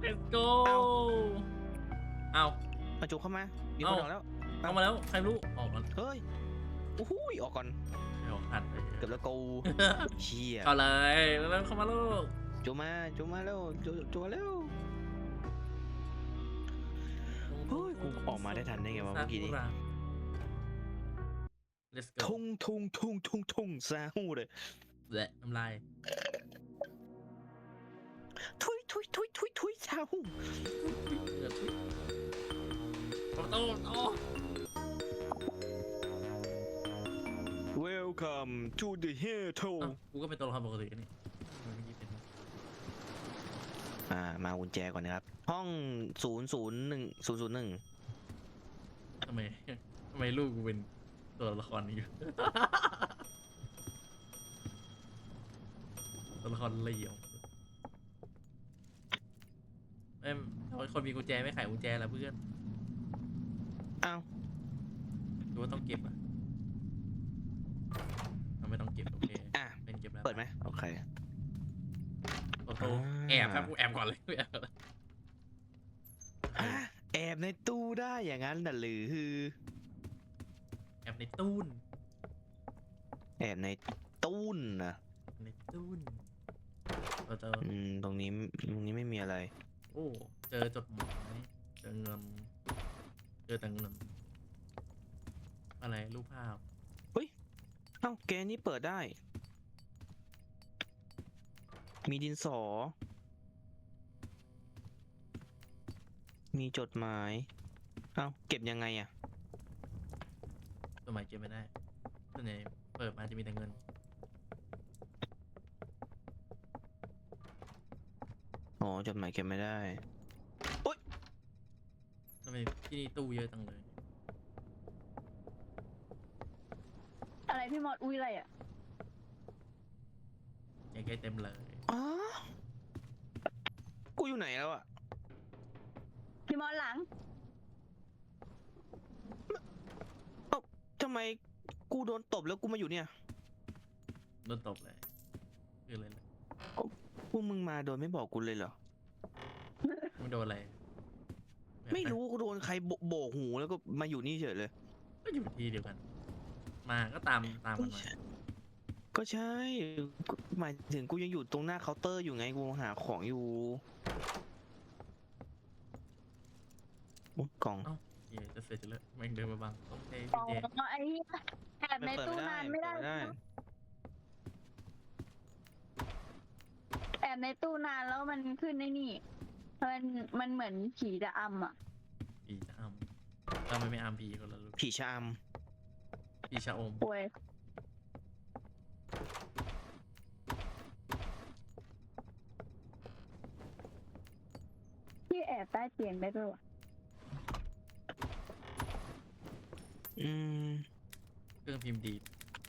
let's go เอามาจุกเข้ามามีคนออกแล้วเข้ามาแล้วใครรู้ออกก่อนเฮ้ยโอ้โหออกก่อนเดี๋ยวหันไปเกือบแล้วกูเชี่ยเข้าเลยแล้วเข้ามาลูกจุกมาแล้วจุกมาแล้วเฮ้ยกูออกมาได้ทันได้ไงวะเมื่อกี้นี้ let's go ทุ่งซาฮู้เลยแหละน้ำลายทุยซาฮู้ประตูโอ้ Welcome to the Hell กูก็เป็นตัวละครปกติกันนี่มากุญแจก่อนนะครับห้อง001 ทำไมลูกกูเป็นตัวละครนี้อยู่ ตัวละครเหลี่ยมคนมีกุญแจไม่ไขกุญแจแล้วเพื่อนอ้าวดูว่าต้องเก็บอ่ะไม่ต้องเก็บโอเค เป็นเก็บแล้วเปิดไหมโอเคโอ้โหแอบครับกูแอบก่อนเลยแอบก่อนเลยแอบในตู้ได้อย่างนั้นน่ะหรือแอบในตู้นแอบในตู้นนะในตู้นเราเจอตรงนี้ไม่มีอะไรโอ้เจอจดหมายเจอเงินเจอแต่เงินอะไรรูปภาพเอ้าแกนี่เปิดได้ มีดินสอ มีจดหมาย เอ้าเก็บยังไงอะจดหมายเก็บไม่ได้ส่วนใหญ่เปิดมาจะมีแต่เงินอ๋อจดหมายเก็บไม่ได้ทำไมที่นี่ตู้เยอะจังเลยอะไรพี่มอดอุ้ยอะไรอ่ะใกล้ๆเต็มเลยอ๋อ กูอยู่ไหนแล้วอะพี่มอดหลังทำไมกูโดนตบแล้วกูมาอยู่เนี่ยโดนตบเลยคืออะไรเลยพวกมึงมาโดยไม่บอกกูเลยเหรอมึงโดนอะไรไม่รู้กูโดนใครโบกหูแล้วก็มาอยู่นี่เฉยเลยก็อยู่ที่เดียวกัน มาก็ตามกันมาก็ใช่หมายถึงกูยังอยู่ตรงหน้าเคาน์เตอร์อยู่ไงกูหาของอยู่โอ้กล่องเย่จะเสร็จแล้วแม่งเดินมาบังโอเคอ๋อพี่เจไอ้เหี้ยแอบในตู้นานไม่ได้ แอบในตู้นานแล้วมันขึ้นในนี่มันเหมือนผีจะอำอ่ะผีจะอ้ำทำไมไม่อ้ำผีคนละลูกผีชามผีชะอมป่วยพี่แอบใต้เตียงได้ด้วยวะเครื่องพิมพ์ดีด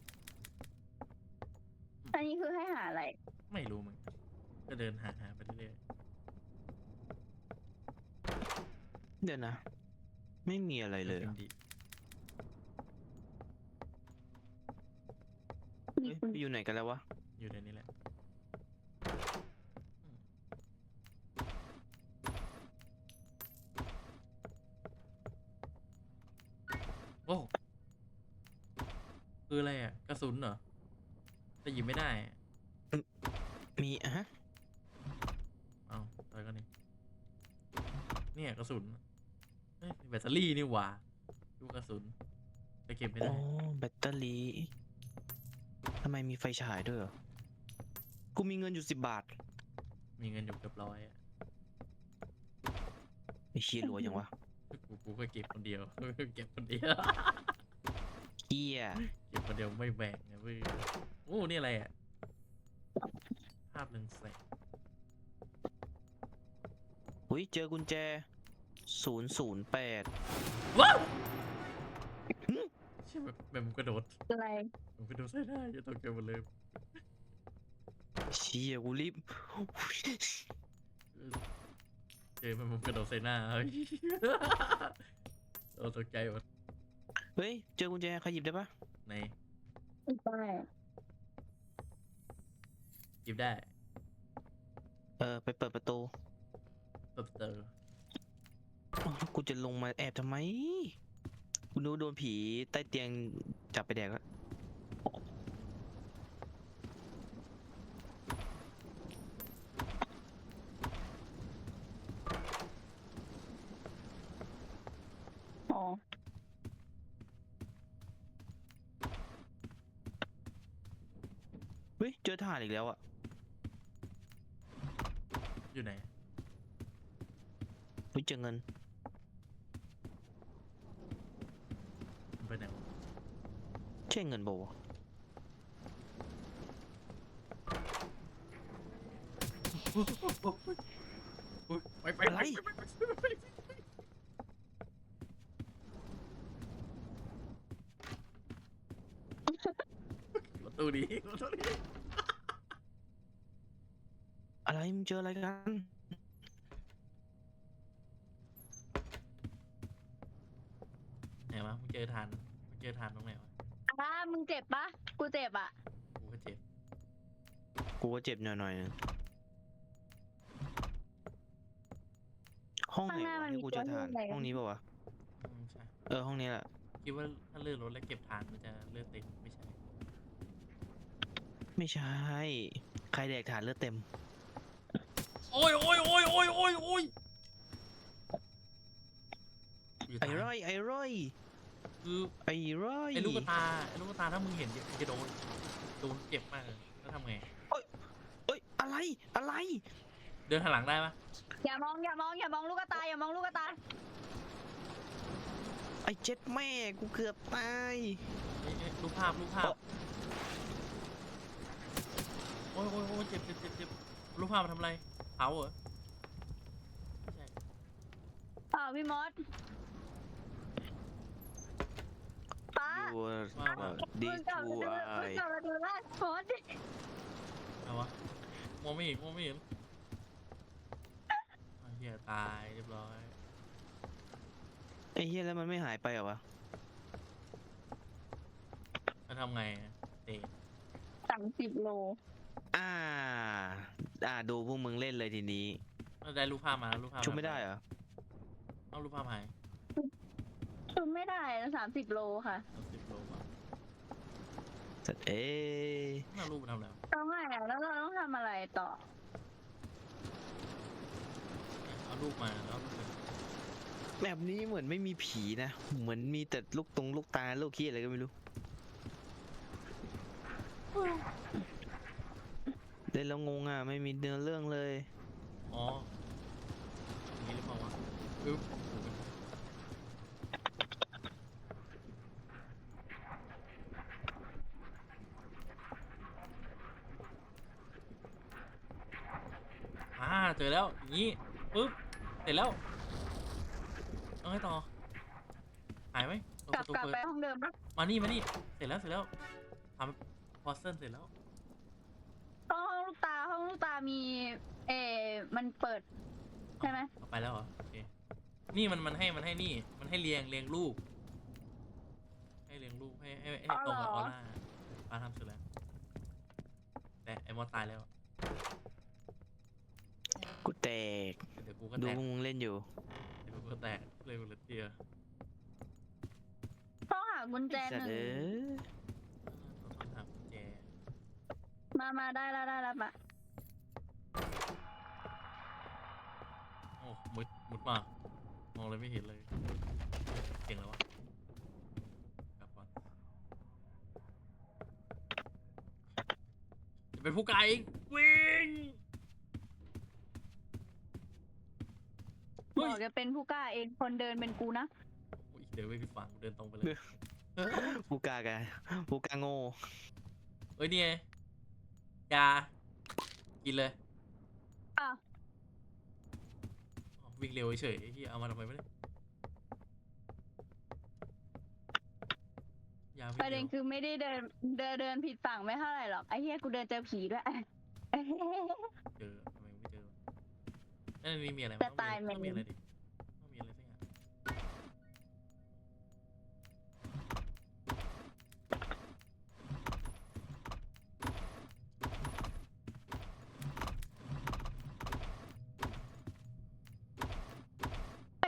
อันนี้คือให้หาอะไรไม่รู้มึงก็เดินหาไปเรื่อยเดี๋ยวนะ ไม่มีอะไรๆเลยพิมพ์ดีดเฮ้ยไปอยู่ไหนกันแล้ววะอยู่ในนี้แหละโอ้คืออะไรอ่ะกระสุนเหรอแต่หยิบไม่ได้อะมีฮะเอาอะไรกันนี่เนี่ยกระสุนเอ้ยแบตเตอรี่นี่หว่าดูกระสุนจะเก็บไม่โอ้ได้แบตเตอรี่ทำไมมีไฟฉายด้วยเหรอกูมีเงินอยู่10 บาทมีเงินอยู่เกือบ100อ่ะไอ้เชี่ยรวยยังวะกูก็เก็บคนเดียว เก็บคนเดียวเฮียเก็บคนเดียวไม่แบ่งนะเว้ยโอ้นี่อะไรอ่ะภาพเรืองแสงอุ้ยเจอกุญแจ008 ว้าวใช่แบบมึงกระโดดอะไรมึงกระโดดใส่ได้อย่าตกใจหมดเลยเชี่ยกูรีบเจอมันกระโดดใส่หน้าเฮ้ยเราตกใจหมดเฮ้ยเจอกุญแจใครหยิบได้ปะไหนไม่หยิบได้ไปเปิดประตูประก็เจออ้าวแล้วกูจะลงมาแอบทำไมกูนึกว่าโดนผีใต้เตียงจับไปแดกแล้วอ๋อเฮ้ยเจอทหารอีกแล้วอ่ะอยู่ไหนเฮ้ยเจอเงินมันไปไหนวะใช่เงินโบวะอุ๊ยไปไปอะไรประตูนี้ประตูนี้อะไรมึงเจออะไรกันไหนวะมึงเจอทานมึงเจอทานตรงไหนวะมึงเจ็บปะกูเจ็บอ่ะกูก็เจ็บกูก็เจ็บหน่อยๆนึงห้องไหนวะที่กูเจอทหารห้องนี้ป่าวะใช่ห้องนี้แหละคิดว่าถ้าเลื่อนรถแล้วเก็บทานมันจะเลือดเต็มไม่ใช่ไม่ใช่ ใครแดกฐานเลือดเต็มโอ้ยโอ้ยโอ้ยโอ้ยโอ้ยโอ้ยอยู่ไอ้ท้ายร้อยไอ้ร้อยคือไอ้ร้อยไอ้ลูกตาถ้ามึงเห็นมึงจะโดนเจ็บมากเลยแล้วทำไงเอ้ยอะไรอะไรเดินหันหลังได้ปะอย่ามองอย่ามองอย่ามองลูกกระตายอย่ามองลูกกระตายไอ้เจ็ดแม่กูเกือบตายเอ้ยรูปภาพโอ้ยโอ้ยโอ้ยเจ็บรูปภาพมันทำอะไรเผาเหรอไม่ใช่อ้าวพี่มอสป้าดูว่าดีมึงกลับทูมาดูไอมึงกลับมาดูล่าสมอสเอาวะมองไม่เห็นอ้าวเหี้ยตายเรียบร้อยไอ้เหี้ยแล้วมันไม่หายไปเหรอวะแล้วทำไงอะเตะ 30 โลอ่าดูพวกมึงเล่นเลยทีนี้แล้วได้รูปภาพมารูปภาพชุบไม่ได้เหรอเอารูปภาพหายชุดไม่ได้นะ30 โลค่ะ 30 โลมาสัตว์เอ้ยน่ารูปมันทำแล้วต้องไงอ่ะแล้วเราต้องทำอะไรต่อเอารูปมาแล้วเอารูปมาแบบนี้เหมือนไม่มีผีนะ เหมือนมีแต่ลูกตาลูกขี้อะไรก็ไม่รู้ เล่นแล้วงงอ่ะ ไม่มีเนื้อเรื่องเลยอ๋ออย่างนี้หรือเปล่าวะปึ๊บเจอแล้วอย่างนี้ปึ๊บเสร็จแล้วเอาไงต่อหายไหมเปิดกลัปบระตูกลับเปิดไปห้องเดิมปะมานี่เสร็จแล้วทำพอสเซนเสร็จแล้วห้องลูกตามีมันเปิดใช่ไหมเอาไปแล้วเหรอโอเคนี่มันให้นี่มันให้เรียงรูปให้เรียงรูปให้ตรงกับออร่าป้าทำเสร็จแล้วแต่ไอ้มอสตายแล้วกูแตกเดี๋ยวกูก็ดูแตกพวกมึงเล่นอยู่เดี๋ยวกูก็แตกเลยกูเหลือเตียต้องหากุญแจไอ้สัตหว์นึ่งเอ้ยต้องหากุญแจมาได้แล้วปะโอ้มุดมากมองเลยไม่เห็นเลยเก่งแล้ววะกลับก่อนจะเป็นผู้ไกลวิ่งบเฮ้ยอกจะเป็นผู้กล้าเองคนเดินเป็นกูนะอุ๊ยเดินไปผิดฝั่งเดินตรงไปเลยกูกากะกูกาโง่เอ้ยนี่ไงยากินเลยอ้าวอ๋อวิ่งเร็วเฉยๆไอ้ที่เอามาทำไมไม่ได้ยาวิ่งประเด็เร็นวคือไม่ได้เดินผิดฝั่งไม่เท่าไหร่หรอกไอ้เหี้ยกูเดินเจอผีด้วยเจอทำไมไม่เจอนั่นนี่มีอะไรจะตายต้องมีไหมอะไรดิต้องมีอะไรสักอย่าง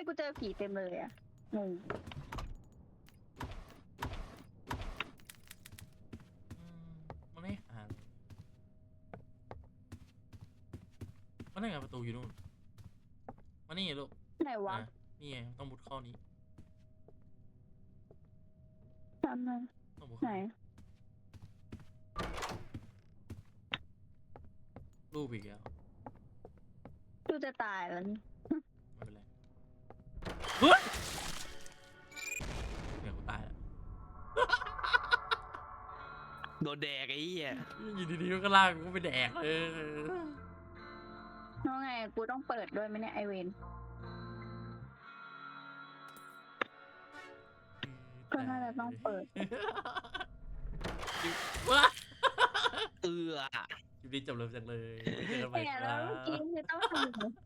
กูเจอผีเต็มเลยอะงงมันไม่หาเลยมันนั่นไงประตูอยู่นู่นมานี่ไงลูกไหนวะอ่ะนี่ไงต้องมุดเข้านี้ทำไมต้องมุดไหนเข้านี้รูปอีกแล้วกูจะตายแล้วนี่ไม่เป็นไรเฮ้ยเดี๋ยวกูตายแล้วโดนแดกไอ้เหี้ยอยู่ดีๆก็ลากกูไปแดกเลยน้องไงกูต้องเปิดด้วยไหมเนี่ยไอเวน ก็น่าจะต้องเปิดว้าเอือคลิปนี้จบเร็วจังเลยไม่เจอกันใหม่แต่คแล้รัวเมื่อกี้บคือต้องทำยังไง